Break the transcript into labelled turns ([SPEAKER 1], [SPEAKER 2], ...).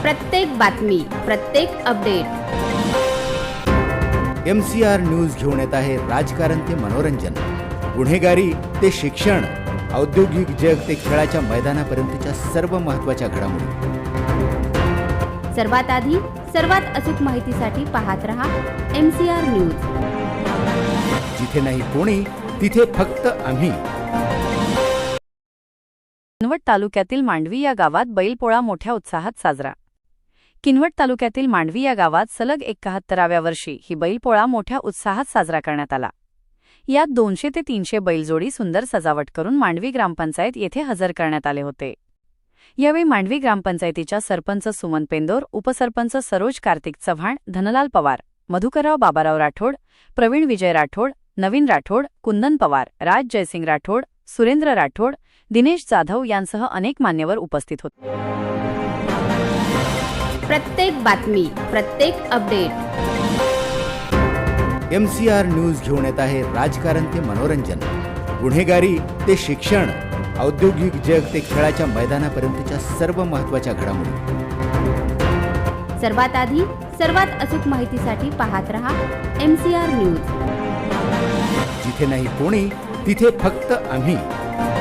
[SPEAKER 1] प्रत्येक बातमी, प्रत्येक अपडेट
[SPEAKER 2] MCR न्यूज घेऊन येत आहे राजकारण ते मनोरंजन, गुन्हेगारी ते शिक्षण, औद्योगिक जग ते खेळाच्या मैदानापर्यंतच्या सर्व महत्त्वाच्या घडामोडी.
[SPEAKER 1] सर्वात आधी सर्वात अचूक माहितीसाठी पाहत रहा MCR न्यूज.
[SPEAKER 2] जिथे नाही कोणी तिथे फक्त आम्ही.
[SPEAKER 3] किनवट तालुक्यातील मांडवी या गावात बैलपोळा मोठ्या उत्साहात साजरा. किनवट तालुक्यातील मांडवी या गावात सलग 71व्या वर्षी ही बैलपोळा मोठ्या उत्साहात साजरा करण्यात आला. यात 200 ते 300 बैलजोडी सुंदर सजावट करून मांडवी ग्रामपंचायत येथे हजर करण्यात आले होते. यावेळी मांडवी ग्रामपंचायतीच्या सरपंच सुमन पेंदोर, उपसरपंच सरोज कार्तिक चव्हाण, धनलाल पवार, मधुकरराव बाबाराव राठोड, प्रवीण विजय राठोड, नवीन राठोड, कुंदन पवार, राज जयसिंग राठोड, सुरेंद्र राठोड, दिनेश जाधव यांसह अनेक मान्यवर उपस्थित होते.
[SPEAKER 1] प्रत्येक बातमी, प्रत्येक अपडेट
[SPEAKER 2] MCR न्यूज घेऊन येत आहे राजकारण ते मनोरंजन, गुन्हेगारी ते शिक्षण, औद्योगिक जग ते खेळाच्या मैदानापर्यंतच्या सर्व महत्त्वाच्या घडामोडी.
[SPEAKER 1] सर्वात आधी सर्वात अचूक माहितीसाठी पाहत रहा MCR न्यूज.
[SPEAKER 2] जिथे नाही कोणी तिथे फक्त आम्ही.